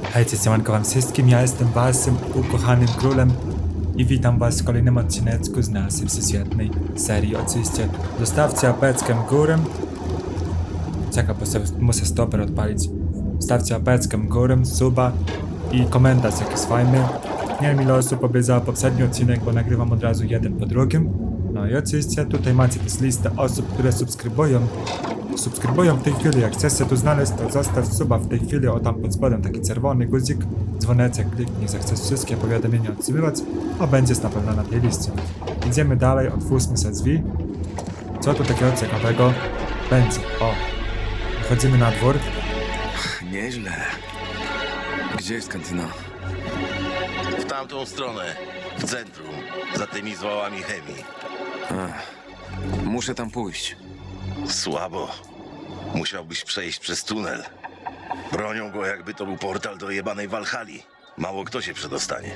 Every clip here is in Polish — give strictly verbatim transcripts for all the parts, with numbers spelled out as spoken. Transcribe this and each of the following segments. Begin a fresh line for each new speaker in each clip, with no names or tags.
Hej, siemanko wam wszystkim, ja jestem waszym ukochanym królem i witam was w kolejnym odcineczku z naszej świetnej serii. Oczywiście zostawcie apeczkę górę. Czekaj, bo sobie muszę stoper odpalić. Stawcie apeczkę górę, suba i komentarz jakiś fajny. Nie wiem ile osób obejrzało poprzedni odcinek, bo nagrywam od razu jeden po drugim. No i oczywiście tutaj macie też listę osób, które subskrybują. Subskrybują w tej chwili, jak chcesz się tu znaleźć, to zostaw suba w tej chwili, o tam pod spodem taki czerwony guzik, dzwoneczek, kliknij, że chcesz wszystkie powiadomienia odsyływać, a będziesz na pewno na tej liście. Idziemy dalej, otwórzmy sobie drzwi. Co tu takiego ciekawego będzie? O, wychodzimy na dwór.
Nieźle. Gdzie jest kantyna?
W tamtą stronę, w centrum, za tymi zwałami chemii.
Ach, muszę tam pójść.
Słabo. Musiałbyś przejść przez tunel. Bronią go, jakby to był portal do jebanej Walhali. Mało kto się przedostanie.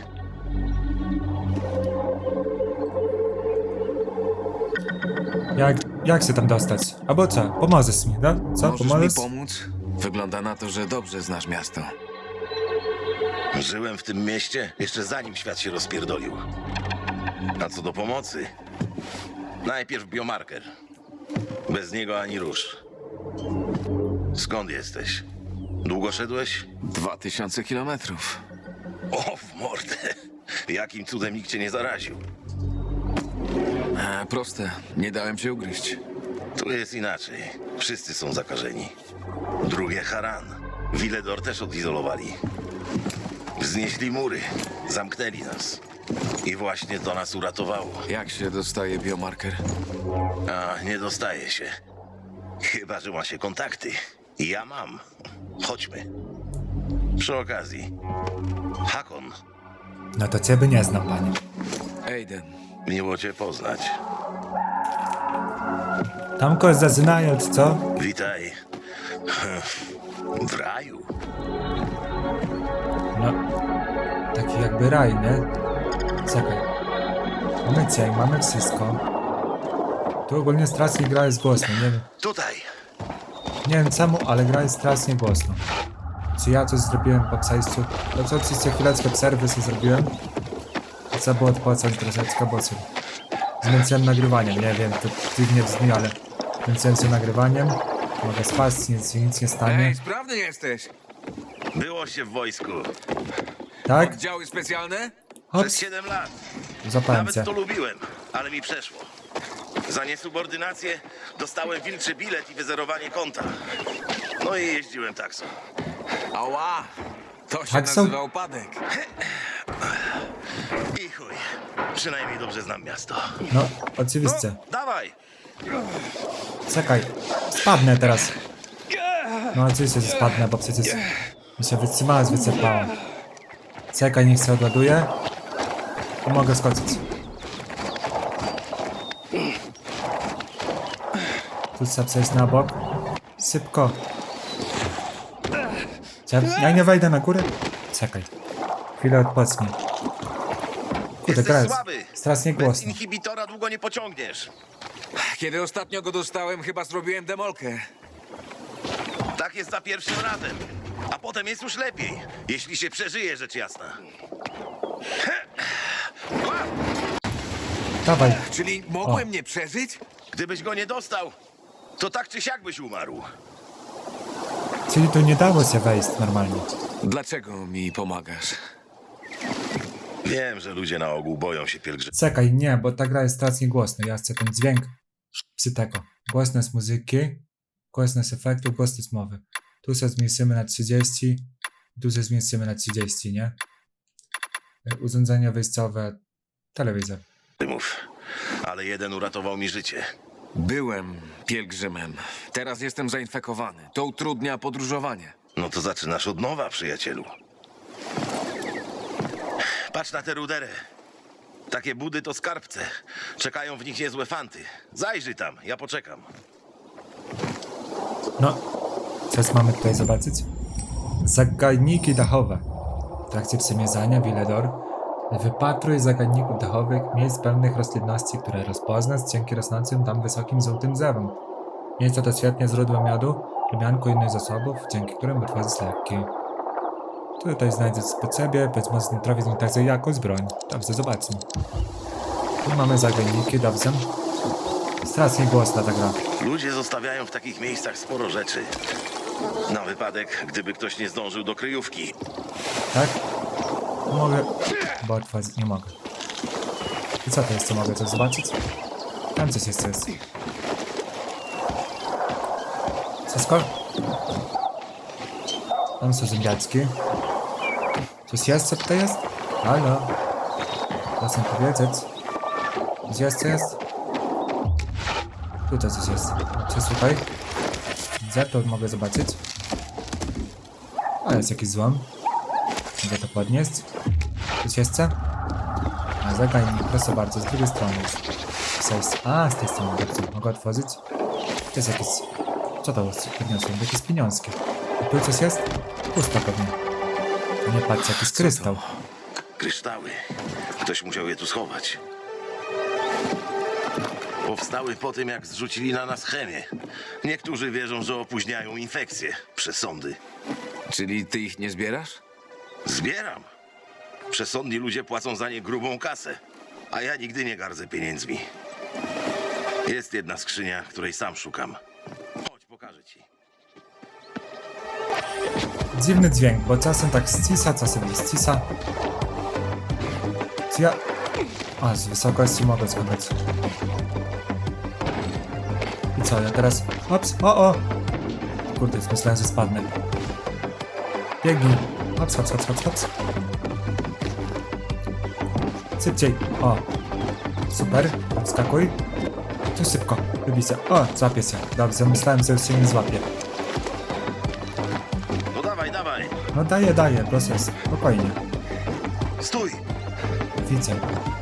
Jak, jak się tam dostać? Albo co? Pomożesz mi, tak? Co?
Możesz
Pomożesz?
mi pomóc? Wygląda na to, że dobrze znasz miasto.
Żyłem w tym mieście jeszcze zanim świat się rozpierdolił. A co do pomocy? Najpierw biomarker. Bez niego ani rusz. Skąd jesteś? Długo szedłeś?
Dwa tysiące kilometrów.
O, w mordę. Jakim cudem nikt cię nie zaraził?
E, proste. Nie dałem się ugryźć.
Tu jest inaczej. Wszyscy są zakażeni. Drugie Haran. Wiledor też odizolowali. Wznieśli mury. Zamknęli nas. I właśnie to nas uratowało.
Jak się dostaje biomarker?
A nie dostaje się. Chyba że ma się kontakty. I ja mam. Chodźmy. Przy okazji. Hakon.
No to ciebie nie znam, panie.
Aiden.
Miło cię poznać.
Tam kogoś zaczynają, co?
Witaj. W raju.
No, taki jakby raj, nie? Czekaj. Mamy cień, mamy wszystko. Tu ogólnie strasznie gra jest głośno, nie wiem.
Tutaj.
Nie wiem czemu, ale gra jest strasznie głośno. Czy ja coś zrobiłem po przejściu? No co, oczywiście chwileczkę przerwy sobie zrobiłem. Trzeba było odpocząć troszeczkę, bo co? Zmęczyłem nagrywaniem, nie wiem, to dziwnie brzmi, ale zmęczyłem się nagrywaniem. Mogę spać, nic, nic nie stanie.
Ej, sprawny jesteś!
Było się w wojsku.
Tak?
Oddziały specjalne?
Przez
Hops,
siedem lat.
zapałem
Nawet
cię.
to lubiłem, ale mi przeszło. Za niesubordynację dostałem wilczy bilet i wyzerowanie konta. No i jeździłem taksą.
Ała! To się
Taksą?
nazywa upadek.
I chuj. Przynajmniej dobrze znam miasto.
No,
No,
oczywiście.
dawaj.
Czekaj, spadnę teraz. No oczywiście, że spadnę, bo przecież mi się wytrzymała, wycofała. Czekaj, niech się odładuje. I mogę skoczyć. Tu trzeba przejść na bok. Szybko. Ja, ja nie wejdę na górę? Czekaj. Chwilę odpocznij. Kurde, gra
Jesteś
jest
słaby.
strasznie
Bez
głośno.
inhibitora długo nie pociągniesz.
Kiedy ostatnio go dostałem, chyba zrobiłem demolkę.
Tak jest za pierwszym razem. A potem jest już lepiej, jeśli się przeżyje, rzecz jasna.
Dawaj.
Czyli mogłem nie przeżyć?
Gdybyś go nie dostał, to tak czy siak byś umarł.
Czyli tu nie dało się wejść normalnie.
Dlaczego mi pomagasz?
Wiem, że ludzie na ogół boją się pielgrzymów.
Czekaj, nie, bo ta gra jest strasznie głośna. Ja chcę ten dźwięk przy tego. Głośność muzyki, głośność efektu, głośność mowy. Tu się zmniejszymy na trzydzieści, tu się zmniejszymy na trzydzieści, nie? Urządzenia wejściowe, telewizor.
Ale jeden uratował mi życie.
Byłem pielgrzymem. Teraz jestem zainfekowany. To utrudnia podróżowanie.
No to zaczynasz od nowa, przyjacielu. Patrz na tę ruderę. Takie budy to skarbce. Czekają w nich niezłe fanty. Zajrzyj tam, ja poczekam.
No, coś mamy tutaj zobaczyć? Zagadniki dachowe. W trakcie przemierzania Wiledor wypatruj zagadników dachowych, miejsc pełnych roślinności, które rozpoznasz dzięki rosnącym tam wysokim żółtym drzewom. Miejsce to świetnie źródło miodu, rumianku i innych zasobów, dzięki którym wytworzyć leki. Tutaj znajdę spod siebie, być może trafić mi także jakąś broń. Dobrze, zobaczmy. Tu mamy zagajniki, dobrze. Strasznie głośna ta gra.
Ludzie zostawiają w takich miejscach sporo rzeczy. Na wypadek, gdyby ktoś nie zdążył do kryjówki.
Tak? Mogę... Bo otworzyć nie mogę. I co to jest, co mogę coś zobaczyć? Tam coś jeszcze jest. Wszystko? Tam są zębiaczki. Coś jeszcze tutaj jest? Halo? Proszę mi powiedzieć. Coś jeszcze jest? Tutaj coś jest. Co jest tutaj? Gdzie to mogę zobaczyć? A jest jakiś złom. Mogę to podnieść. Coś jeszcze? A zagajnik, proszę bardzo, z drugiej strony jest. Co jest? A, z tej strony dobrze. Mogę otworzyć? To jest jakieś... Co to jest? Podniosłem jakieś pieniążki. A tu coś jest? Pusto pewnie. Nie patrz, jakiś krystał.
Kryształy. Ktoś musiał je tu schować. Powstały po tym, jak zrzucili na nas chemię. Niektórzy wierzą, że opóźniają infekcje, przesądy.
Czyli ty ich nie zbierasz?
Zbieram. Przesądni ludzie płacą za nie grubą kasę, a ja nigdy nie gardzę pieniędzmi. Jest jedna skrzynia, której sam szukam. Chodź, pokażę ci.
Dziwny dźwięk, bo czasem tak ścisa, czasem nie ścisa. Czy ja... A, z wysokości mogę spadać. I co, ja teraz... Ops, o, o! Kurde, myślałem, że spadnę. Biegnij. Hops, hops, hops, hops, hops. Szybciej. O. Super. Skakuj. Tu szybko. Wybicie. O, złapie się. Dobrze, myślałem, że już się nie złapie.
No dawaj, dawaj.
No daję, daję, proszę, spokojnie.
Stój.
Widzę.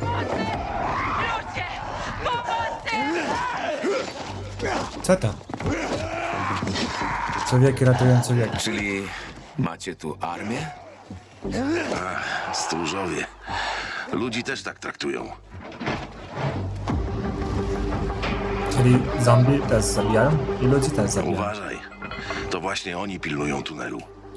Co to? Człowieki ratują człowieka.
Czyli macie tu armię?
Stróżowie. Ludzi też tak traktują.
Czyli zombie też zabijają i ludzi też zabijają.
Uważaj. To właśnie oni pilnują tunelu.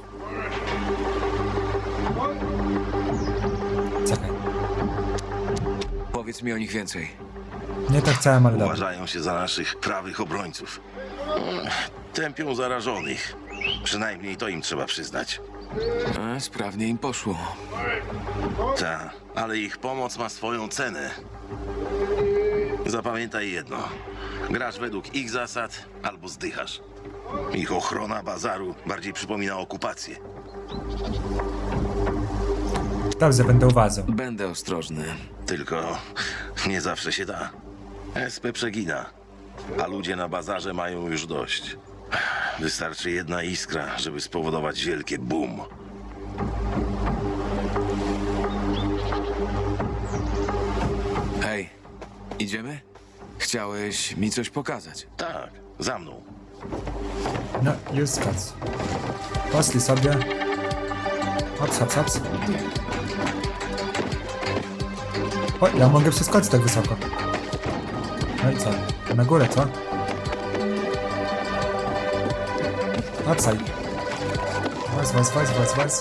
Czekaj.
Powiedz mi o nich więcej.
Nie to chciałem, ale dobra.
Uważają się za naszych prawych obrońców. Tępią zarażonych. Przynajmniej to im trzeba przyznać.
A, sprawnie im poszło.
Ta, ale ich pomoc ma swoją cenę. Zapamiętaj jedno. Grasz według ich zasad albo zdychasz. Ich ochrona bazaru bardziej przypomina okupację.
Dobrze, będę uważał.
Będę ostrożny.
Tylko nie zawsze się da. S P przegina, a ludzie na bazarze mają już dość. Wystarczy jedna iskra, żeby spowodować wielkie boom.
Hej, idziemy? Chciałeś mi coś pokazać.
Tak, za mną.
No, już skacz. Poszli sobie. Hops, hops, hops. O, ja mogę przeskoczyć tak wysoko. No i co? Na górę, co? Hopsaj. Was, was, was, was, was.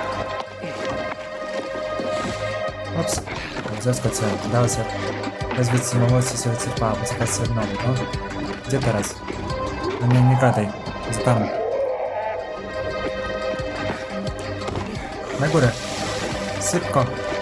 Hops. Zaskoczyłem. Dało się. Bez wytrzymałości się wycofała, bo czekać się znowu, no. Gdzie teraz? No nie, nie gadaj. Jest tam. Na górę. Szybko.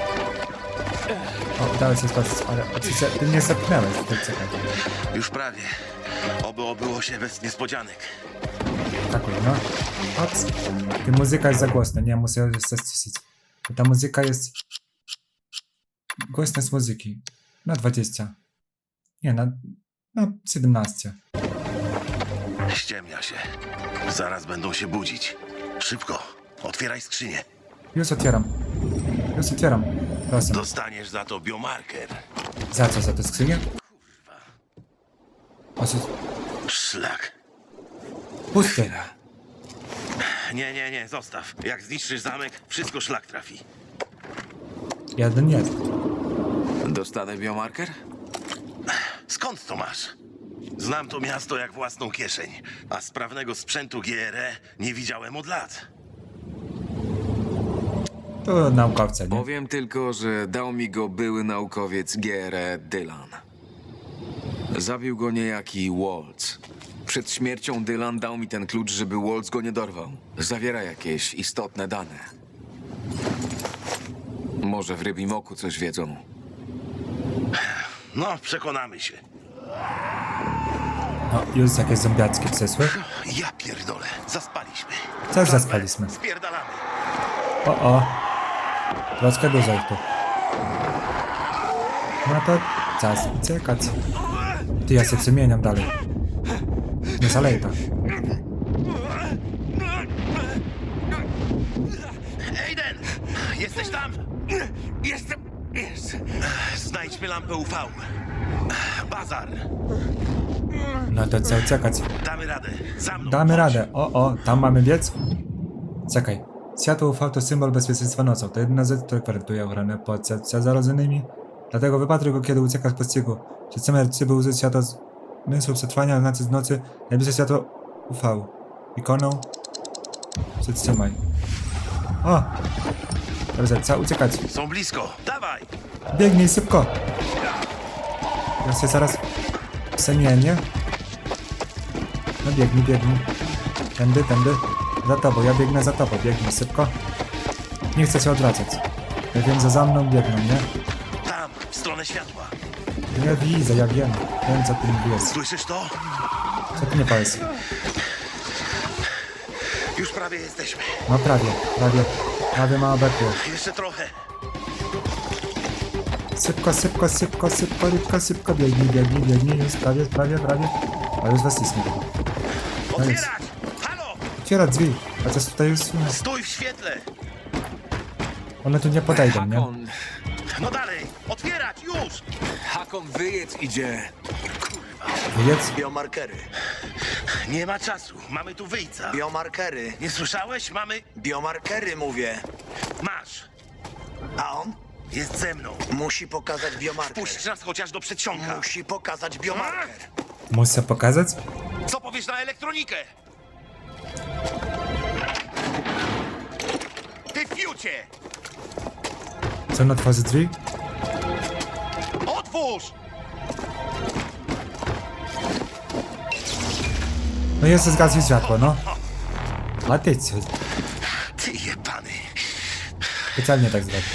O, udało się skoczyć, ale oczywiście ty mnie zepchnęłeś. Ty czekaj.
Już prawie. Oby obyło się bez niespodzianek.
Takuj, no. Hops. Ty muzyka jest za głośna, nie, muszę ją jeszcze ściszyć. Bo ta muzyka jest... Głośność muzyki. Na dwadzieścia. Nie, na... Na siedemnaście.
Ściemnia się. Zaraz będą się budzić. Szybko, otwieraj skrzynię.
Już otwieram. Już otwieram. Proszę.
Dostaniesz za to biomarker.
Za co? Za tę skrzynię? O co?
Szlak.
Pusty.
Nie, nie, nie, zostaw. Jak zniszczysz zamek, wszystko szlak trafi.
Jeden jest.
Dostanę biomarker?
Skąd to masz? Znam to miasto jak własną kieszeń, a sprawnego sprzętu G R E nie widziałem od lat.
To naukowca, nie?
Powiem tylko, że dał mi go były naukowiec G R E. Dylan. Zabił go niejaki Waltz. Przed śmiercią Dylan dał mi ten klucz, żeby Waltz go nie dorwał. Zawiera jakieś istotne dane. Może w rybim oku coś wiedzą.
No, przekonamy się.
No, już jakieś zombiackie przesły.
Ja pierdolę, zaspaliśmy.
Też zaspaliśmy.
Spierdalamy.
O, o. Troszkę dużo ich tu. No to czas uciekać. Ty, ja się przemieniam dalej. Nie zalej to.
Aiden! Jesteś tam?
Jestem... Jest.
Znajdźmy lampę U V. Bazar.
No to co uciekać?
Damy radę. Za mną.
Damy
Chodź.
radę. O, o, tam mamy biec. Czekaj. Światło U V to symbol bezpieczeństwa nocą. To jedyna rzecz, która gwarantuje ochronę przed zarodzonymi. Dlatego wypatruj go, kiedy ucieka z pościgu. Czy chcemy, by użyć światła z zmysłu przetrwania, znaczy z nocy, najbliższe światło U V. Ikoną. Przytrzymaj. O! Dobrze, trzeba uciekać.
Są blisko. Dawaj!
Biegnij szybko! Ja się zaraz przemienię. No biegnij, biegnij. Tędy, tędy. Za tobą, ja biegnę za tobą. Biegnij szybko. Nie chcę się odwracać. Ja wiem, że za mną biegną, nie?
Tam, w stronę światła.
Ja widzę, ja wiem. Wiem, co ty mówisz.
Słyszysz to?
Co ty nie powiesz?
Już prawie jesteśmy.
No prawie, prawie. Prawie ma obekło.
Jeszcze trochę.
Szybko, szybko, szybko, szybko, szybko, szybko. Biegnij, biegnij, biegnij. Już prawie, prawie, prawie. A już weszliśmy. No jest.
Otwierać! Halo!
Otwiera drzwi. A coś tutaj już...
Stój w świetle!
One tu nie podejdą, nie?
Hakon...
No dalej! Otwierać! Już!
Hakon, wyjedz idzie.
Wyjedz.
Biomarkery.
Nie ma czasu. Mamy tu wyjca.
Biomarkery.
Nie słyszałeś? Mamy...
Biomarkery mówię.
Masz.
A on
Jest ze mną.
musi pokazać biomarker.
Puść nas chociaż do przedsionka.
Musi pokazać biomarker.
Muszę pokazać?
Co powiesz na elektronikę? Ty fiucie!
Co on otworzy drzwi?
Otwórz!
No jest zgasł światło, no. A ty co?
Ty jebany.
Specjalnie tak zrobił.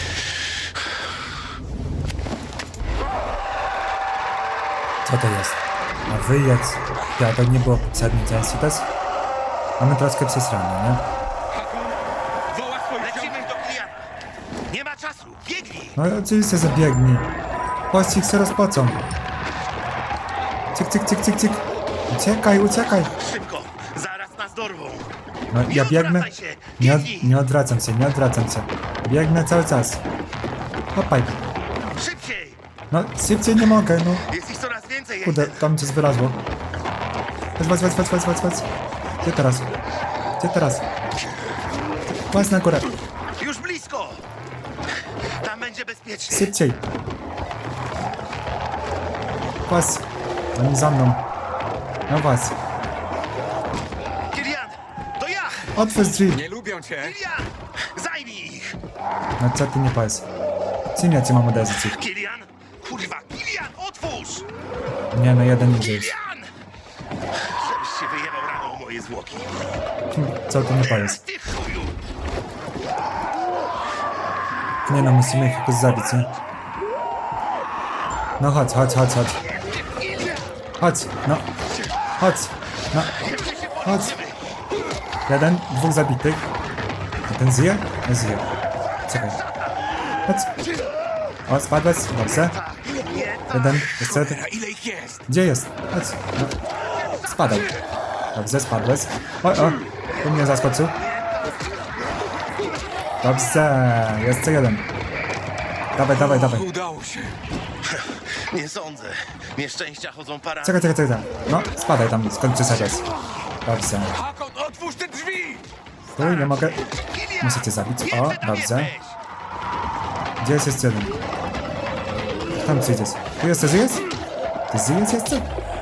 Co to jest? A wyjedz. Ja, to nie było poprzedniej części też. Mamy troszkę przesrane, nie?
Woła swoich
Lecimy do Kliana. Nie ma czasu. Biegnij!
No oczywiście zabiegnij. Pościg się rozpocą. Cyk, cyk, cyk, cyk, cyk. Uciekaj, uciekaj.
Szybko. Zaraz nas dorwą.
No
Nie
ja biegnę.
odwracaj się.
Nie, od,
Biegnij.
nie odwracam się, nie odwracam się. Biegnę cały czas. Hopaj.
Szybciej!
No szybciej nie mogę, no.
Jest ich coraz więcej.
Kurde,
Aiden.
tam coś wylazło. Chodź, chodź, chodź, chodź, chodź, chodź. Gdzie teraz? Gdzie teraz? Chodź na górę.
Już blisko! Tam będzie bezpiecznie.
Szybciej. Chodź. Oni za mną. No chodź.
Kilian! To ja!
Otwórz drzwi.
Nie lubią cię.
Kilian! Zajmij ich!
No co ty nie powiesz? Czym ja cię mam uderzyć?
Kilian! Kurwa! Kilian! Otwórz!
Nie, no jeden idzie już.
Kilian! Żebyś się wyjebał rano o moje zwłoki.
Co ty nie powiesz?
Ty chuju!
Nie no, musimy ich jakoś zabić, nie? No chodź, chodź, chodź, chodź. Chodź, no. Chodź, no. Chodź. Jeden, dwóch zabitych. A ten zje? Nie zje. Czekaj. Chodź. O, spadłeś? Dobrze. Jeden, jeszcze jeden.
Cholera, ile ich jest?
Gdzie jest? Chodź. No. Spadaj. Dobrze, spadłeś. O, o. Tu mnie zaskoczył. Dobrze. Jeszcze jeden. Dawaj, dawaj, dawaj.
Udało się.
Nie sądzę. Nieszczęścia chodzą parami.
Czekaj, czekaj, czekaj. No, spadaj tam, skąd przyszedłeś. Dobrze.
Hakon, otwórz te drzwi!
Stój, nie mogę.
Kilian!
Muszę cię zabić.
Wiem,
O,
że tam
dobrze.
jesteś.
Gdzie jest jeszcze jeden? Tam przyjdziesz. Ty jeszcze żyjesz? Ty żyjesz jeszcze?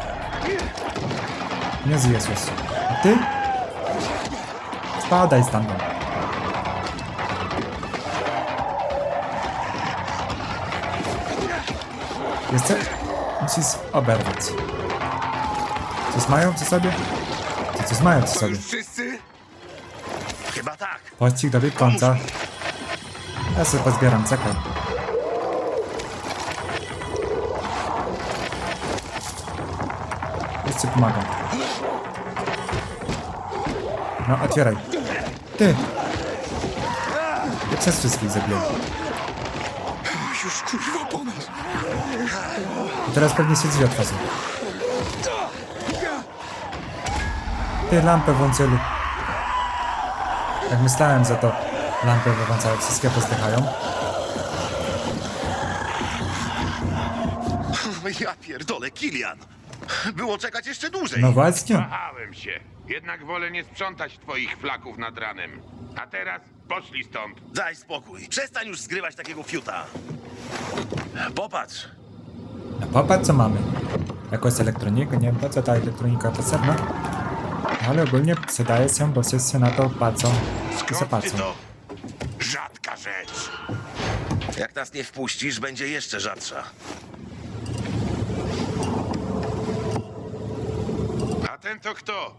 Nie żyjesz jeszcze. A ty? Spadaj stamtąd. Jeszcze musisz oberwać. Coś mają przy sobie? Czy coś mają przy
To
sobie?
już wszyscy?
Chyba tak.
Pościg dobiegł końca. Ja sobie pozbieram, czekaj. Jeszcze pomagam. No, otwieraj. Ty! Ja przez wszystkich zabiję.
Już kurwa po nas.
I teraz pewnie się drzwi otworzą. Ty, lampę włączyli. Jak myślałem, że to lampy wyłączają, wszystkie pozdychają.
Ja pierdolę, Kilian. Było czekać jeszcze dłużej.
No właśnie.
Wahałem się. Jednak wolę nie sprzątać twoich flaków nad ranem. A teraz poszli stąd.
Daj spokój. Przestań już zgrywać takiego fiuta. Popatrz.
No popatrz co mamy. Jakąś elektronikę, nie wiem po co ta elektronika potrzebna. Ale ogólnie przydaje się, bo wszyscy na to patrzą i
Skąd ty
zapatrzą.
to? Rzadka rzecz.
Jak nas nie wpuścisz, będzie jeszcze rzadsza.
A ten to kto?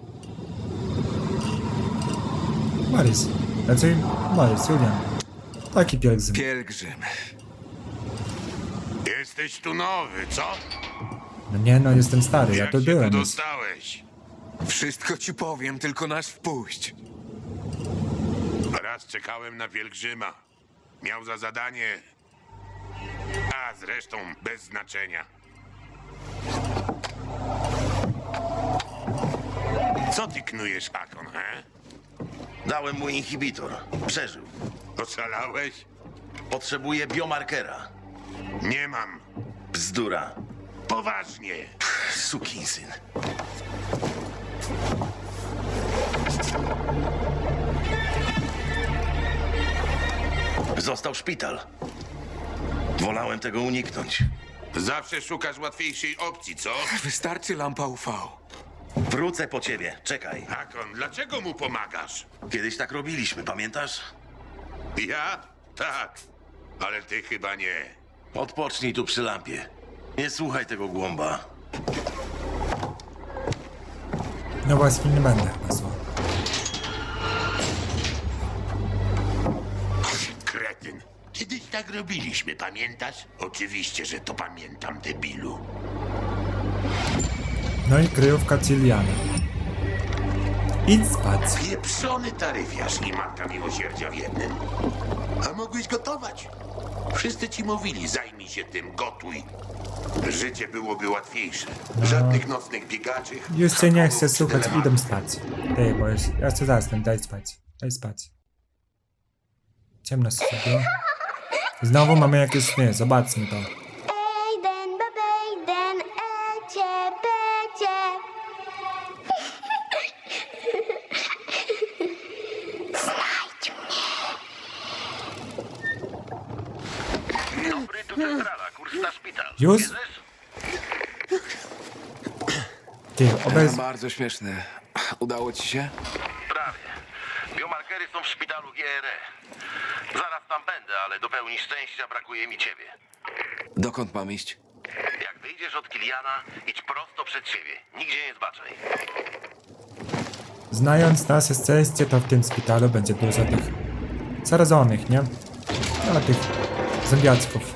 Morris. Raczej Morris, Julian. Taki pielgrzym.
Pielgrzym.
Jesteś tu nowy, co?
No nie no, jestem stary, ja
Jak
tu
się
byłem
tu
już.
dostałeś?
Wszystko ci powiem, tylko nas wpuść.
Raz czekałem na pielgrzyma. Miał za zadanie... A zresztą bez znaczenia. Co ty knujesz, Akon, he?
Dałem mu inhibitor. Przeżył.
Oszalałeś?
Potrzebuje biomarkera.
Nie mam.
Bzdura.
Poważnie.
Sukinsyn. Został szpital. Wolałem tego uniknąć.
Zawsze szukasz łatwiejszej opcji, co?
Wystarczy lampa U V.
Wrócę po ciebie. Czekaj.
Akon, dlaczego mu pomagasz?
Kiedyś tak robiliśmy, pamiętasz?
Ja? Tak. Ale ty chyba nie.
Odpocznij tu przy lampie. Nie słuchaj tego głąba.
No właśnie, nie będę pasło.
Kretyn. Kiedyś tak robiliśmy, pamiętasz? Oczywiście, że to pamiętam, debilu.
No i kryjówka Ciliana. Idź spać.
Pieprzony taryfiarz i matka miłosierdzia w jednym. A mogłeś gotować. Wszyscy ci mówili, zajmij się tym, gotuj. Życie byłoby łatwiejsze. Żadnych nocnych biegaczy.
Już cię nie chcę
haków,
słuchać,
telematów.
idę spać. Ty, bo już, ja chcę zasnąć, daj spać. Daj spać. Ciemno się zrobiło. Znowu mamy jakieś sny, zobaczmy to.
Ejden, babejden, ecie, becie.
Dobry, tu centrala. Kurs na szpital.
Już? Ty, obez...
Bardzo śmieszne. Udało ci się?
Prawie. Biomarkery są w szpitalu G R E. Zaraz tam będę, ale do pełni szczęścia brakuje mi ciebie.
Dokąd mam iść?
Jak wyjdziesz od Kiliana, idź prosto przed siebie. Nigdzie nie zbaczaj.
Znając nasze szczęście, to w tym szpitalu będzie dużo tych zarażonych, nie? No, tych zombiaczków.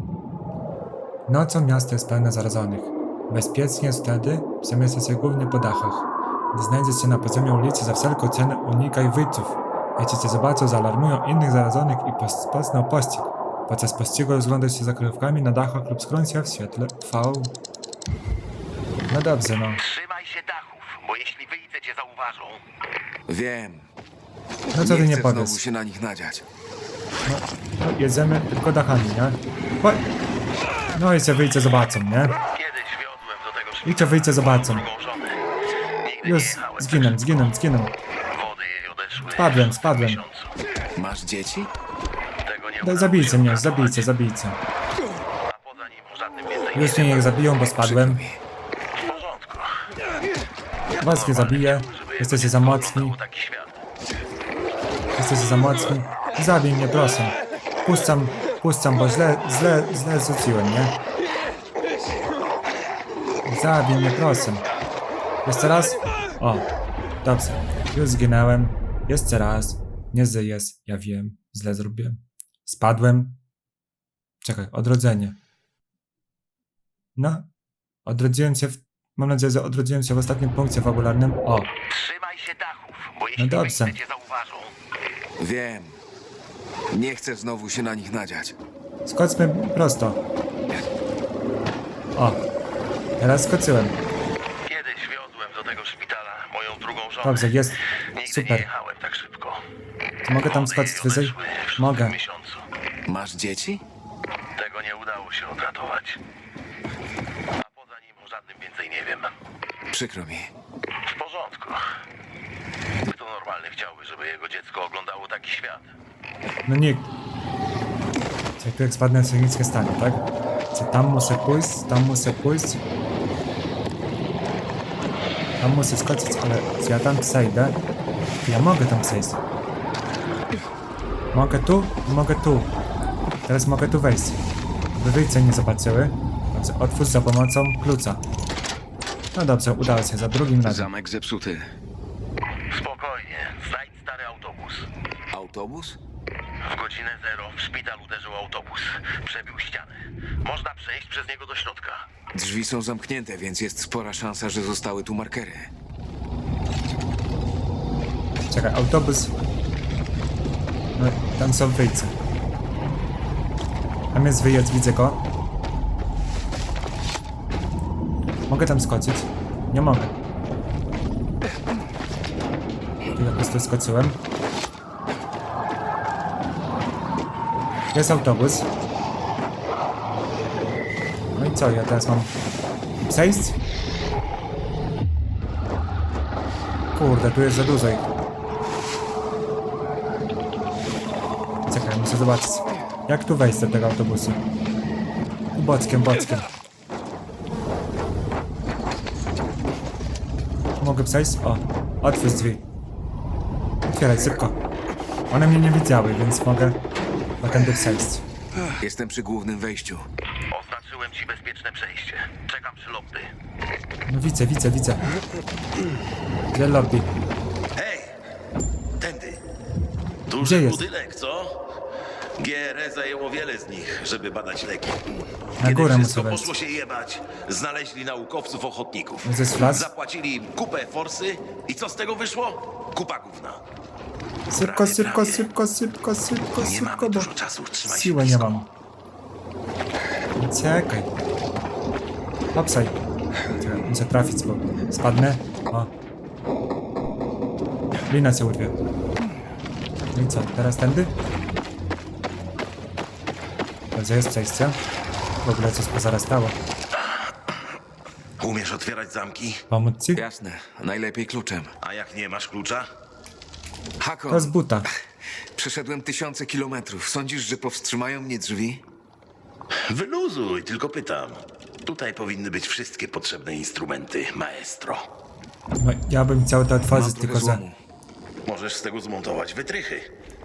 Nocą miasto jest pełne zarażonych. Bezpiecznie jest wtedy przemieszcza się głównie po dachach. Gdy znajdziesz się na poziomie ulicy, za wszelką cenę unikaj wyjców. Jeśli cię zobaczą, zaalarmują innych zarażonych i rozpoczną pościg. Podczas pościgu rozglądasz się za kryjówkami na dachach lub skroń się w świetle V. No dobrze, no.
Trzymaj się dachów, bo jeśli wyjdę, cię zauważą.
Wiem.
No co ty nie
chcę
powiesz?
znowu się na nich nadziać.
No, jedziemy tylko dachami, nie? Chodź. No i się wyjdzie, zobaczą, nie?
Kiedyś wiodłem do tego szpitala.
I cię wyjdzie, zobaczą.
drugą żonę. Nigdy
Już
nie jechałem.
zginę, zginę, zginę.
Wody jej odeszły.
Spadłem, spadłem.
w miesiącu.
Masz dzieci?
Tego nie
Daj,
udało
zabijcie
się
mnie,
uratować.
zabijcie, zabijcie.
A poza nim żadnym więcej
Już mnie niech zabiją, bo spadłem.
w porządku.
Was nie zabiję. Jesteście za mocni.
Był taki świat.
Jesteście za mocni. Zabij mnie, proszę. Puszczam, puszczam, bo źle, źle, źle rzuciłem, nie? zabij mnie, proszę. Jeszcze raz? O, dobrze. Już zginąłem. Jeszcze raz. Nie żyjesz. Ja wiem. Źle zrobiłem. Spadłem. Czekaj, odrodzenie. No. Odrodziłem się w... Mam nadzieję, że odrodziłem się w ostatnim punkcie fabularnym. O,
Trzymaj się dachów, bo
no
jeśli
dobrze.
wyjdę cię zauważą.
Wiem. Nie chcę znowu się na nich nadziać.
Skoczmy prosto. O, teraz skoczyłem.
Kiedyś wiozłem do tego szpitala moją drugą żonę.
Dobrze, jest.
Nigdy nie
Super.
jechałem tak szybko.
Czy mogę tam skoczyć wyżej?
Odeszły w
Mogę.
szóstym miesiącu.
Masz dzieci?
Tego nie udało się odratować. A poza nim o żadnym więcej nie wiem.
Przykro mi.
W porządku. Kto normalny chciałby, żeby jego dziecko oglądało taki świat?
No nie. Czekaj, tu jak spadnę, to nic nie stanie, tak? Czy tam muszę pójść, tam muszę pójść. Tam muszę skoczyć, ale czy ja tam przejdę? Ja mogę tam przejść. Mogę tu? Mogę tu. Teraz mogę tu wejść. By wyjście nie zobaczyły. Dobrze, otwórz za pomocą klucza. No dobrze, udało się, za drugim razem.
Zamek zepsuty.
Spokojnie, znajdź stary autobus.
Autobus?
W godzinę zero w szpital uderzył autobus. Przebił ścianę. Można przejść przez niego do środka.
Drzwi są zamknięte, więc jest spora szansa, że zostały tu markery.
Czekaj, autobus. No, tam są wyjścia. Tam jest wyjazd, widzę go. Mogę tam skoczyć? Nie mogę. Tu po prostu skoczyłem. Jest autobus. No i co, ja teraz mam przejść? Kurde, tu jest za dużo ich. Czekaj, muszę zobaczyć. Jak tu wejść do tego autobusu? Tu bockiem, bockiem. Mogę przejść? O, otwórz drzwi. Otwieraj, szybko. One mnie nie widziały, więc mogę na tędy przejść.
Jestem przy głównym wejściu.
Oznaczyłem ci bezpieczne przejście. Czekam przy lobby.
No widzę, widzę, widzę. Gdzie lobby?
Hej! Tędy.
Gdzie
Duży
jest?
budynek, co? G R E zajęło wiele z nich, żeby badać leki.
Na
Kiedy
górę
wszystko
muszę wejść.
poszło się jebać, znaleźli naukowców ochotników.
Ze flas?
Zapłacili im kupę forsy i co z tego wyszło? Kupa gówna.
Szybko,
Prawie,
szybko,
prawie.
szybko, szybko, szybko,
Nie
szybko,
mamy
bo
dużo czasu, trzymaj się
siły nie
blisko.
mam. Czekaj. Hopsaj. Czekaj, muszę trafić, bo spadnę. O. Lina się urwie. No i co, teraz tędy? Dobrze, jest przejście. W ogóle coś pozarastało.
Umiesz otwierać zamki?
Pomóc ci?
Jasne, najlepiej kluczem.
A jak nie masz klucza?
Hakon,
To z buta.
przeszedłem tysiące kilometrów. Sądzisz, że powstrzymają mnie drzwi?
Wyluzuj, tylko pytam. Tutaj powinny być wszystkie potrzebne instrumenty, maestro.
No, ja bym chciał to
Mam
otworzyć,
trochę
tylko że...
złomu.
Możesz z tego zmontować wytrychy.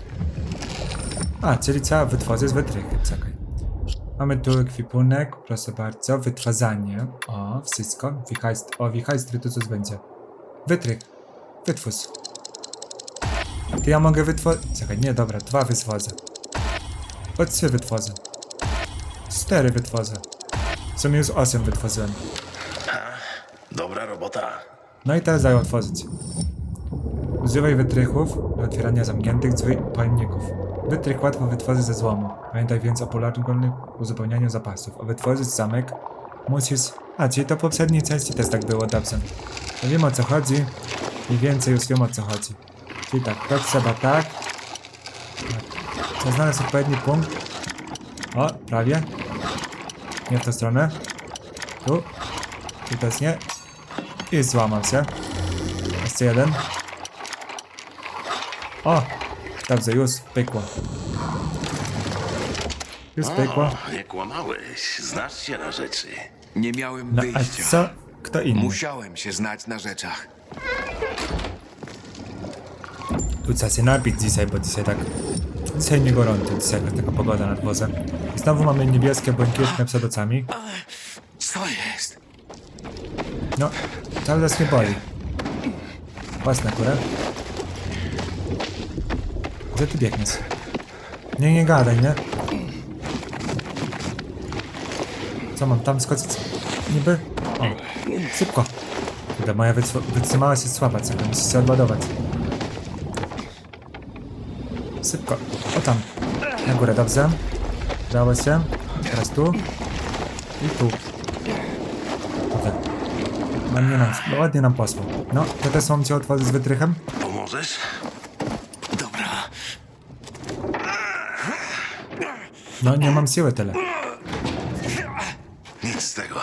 A, czyli trzeba wytworzyć wytrychy, czekaj. Mamy tu ekwipunek, proszę bardzo, wytwarzanie. O, wszystko. Wichajst o, wichajstry to coś będzie. Wytrych. Wytwórz. To ja mogę wytworzyć... Czekaj, nie, dobra, dwa wytworzę. O, trzy wytworzę. Cztery wytworzę. W sumie już osiem wytworzyłem.
Dobra robota.
No i teraz daj otworzyć. Używaj wytrychów do otwierania zamkniętych drzwi i pojemników. Wytrych łatwo wytworzyć ze złomu. Pamiętaj więc o poległym uzupełnianiu zapasów. O wytworzyć zamek musisz... A, czyli to w poprzedniej części też tak było, dobrze. To wiem o co chodzi i więcej już wiem o co chodzi. Czyli tak, to trzeba tak. Trzeba znaleźć odpowiedni punkt. O, prawie. Nie w tę stronę. Tu. Tu też nie. I złamał się. Jeszcze jeden. O! Dobrze, już pykło. Już pykło.
O, nie kłamałeś. Znasz się na rzeczy.
Nie miałem
No a
wyjścia.
co? Kto inny?
Musiałem się znać na rzeczach.
Tu trzeba się napić dzisiaj, bo dzisiaj tak... Dzisiaj nie gorąco, dzisiaj taka pogoda nad wozem. Znowu mamy niebieskie, błękitne przed oczami.
Co jest?
No, cały czas mnie boli. Własna górę. Gdzie ty biegniesz? Nie, nie gadaj, nie? Co mam tam skoczyć? Niby? O, szybko. Kurde, moja wytr- wytrzymałość jest słaba, co muszę się odładować. Szybko. O tam. Na górę, dobrze. Udało się. Teraz tu. I tu. Tutaj. Ładnie nam, ładnie nam poszło. No, to też mam cię otworzyć z wytrychem?
Pomożesz?
Dobra.
No, nie mam siły tyle.
Nic z tego.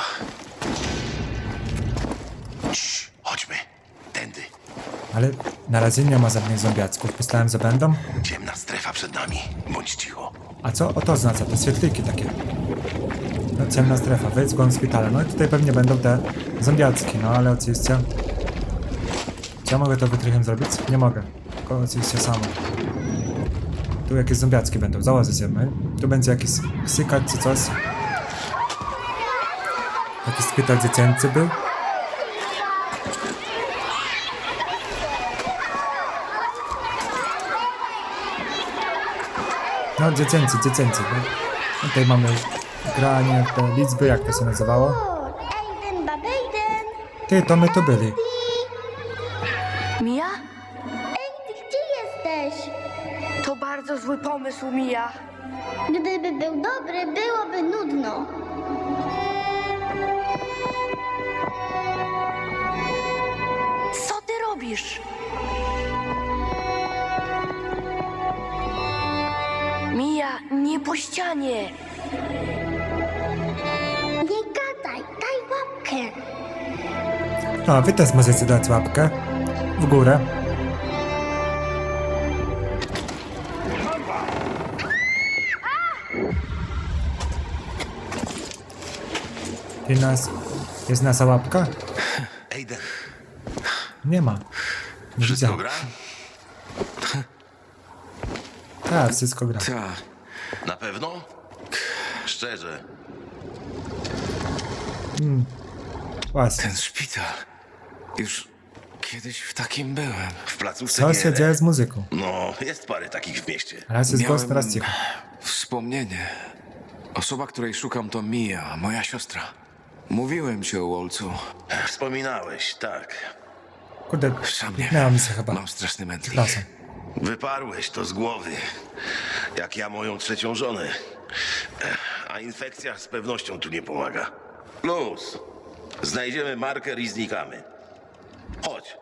Cii, chodźmy. Tędy.
Ale na razie nie ma żadnych zombiacków. Myślałem, że będą.
Ciemna strefa przed nami. Bądź cicho.
A co o to oznacza? Te świetliki takie. No, ciemna strefa, wyjdź z głąb szpitala. No i tutaj pewnie będą te zombiacki, no ale oczywiście... Czy ja mogę to wytrychem zrobić? Nie mogę. Tylko oczywiście samo. Tu jakieś zombiacki będą, założę się my. Tu będzie jakiś ksykacz czy coś. Jakiś szpital dziecięcy był. No, dziecięcy, dziecięcy. No. Tutaj mamy granie, te liczby, jak to się nazywało.
O, Aiden, babejden.
Ty, to my tu byli.
Mia?
Ej, gdzie jesteś?
To bardzo zły pomysł, Mia.
Gdyby był dobry, byłoby nudno.
Co ty robisz? Mia, nie po ścianie.
Nie gadaj, daj łapkę.
No, wy też możecie dać łapkę w górę. I nas... Jest nasza łapka?
Aiden,
Nie ma. Nie
wszystko
widziałem.
gra?
Tak, wszystko gra.
Ta.
Na pewno? Szczerze.
Właśnie.
Ten szpital. Już kiedyś w takim byłem.
W placówce
Co
G R E.
się dzieje z muzyką?
No, jest parę takich w mieście.
Raz jest głos, teraz
Miałem
cicho.
wspomnienie. Osoba, której szukam, to Mia, moja siostra. Mówiłem ci o Wolcu.
Wspominałeś, tak.
Kurde,
Sam nie
miała
wiem.
mi się chyba.
Mam straszny mętlik.
Przepraszam.
Wyparłeś to z głowy. Jak ja moją trzecią żonę. Ech, A infekcja z pewnością tu nie pomaga. Luz. Znajdziemy marker i znikamy. Chodź.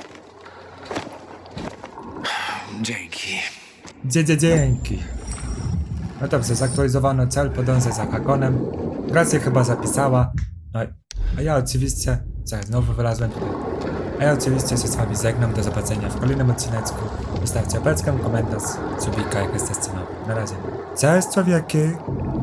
Dzięki.
Dzie, dzie, dzięki. No dobrze, zaktualizowano cel, podążę za Hakonem. Gracja chyba zapisała. No i- a ja oczywiście... Czekaj, znowu wylazłem tutaj. A ja oczywiście się z wami żegnam. Do zobaczenia w kolejnym odcineczku. Wystawcie opeczkę, komentarz, subika, jak jesteście nowi. Na razie. Cześć człowieki!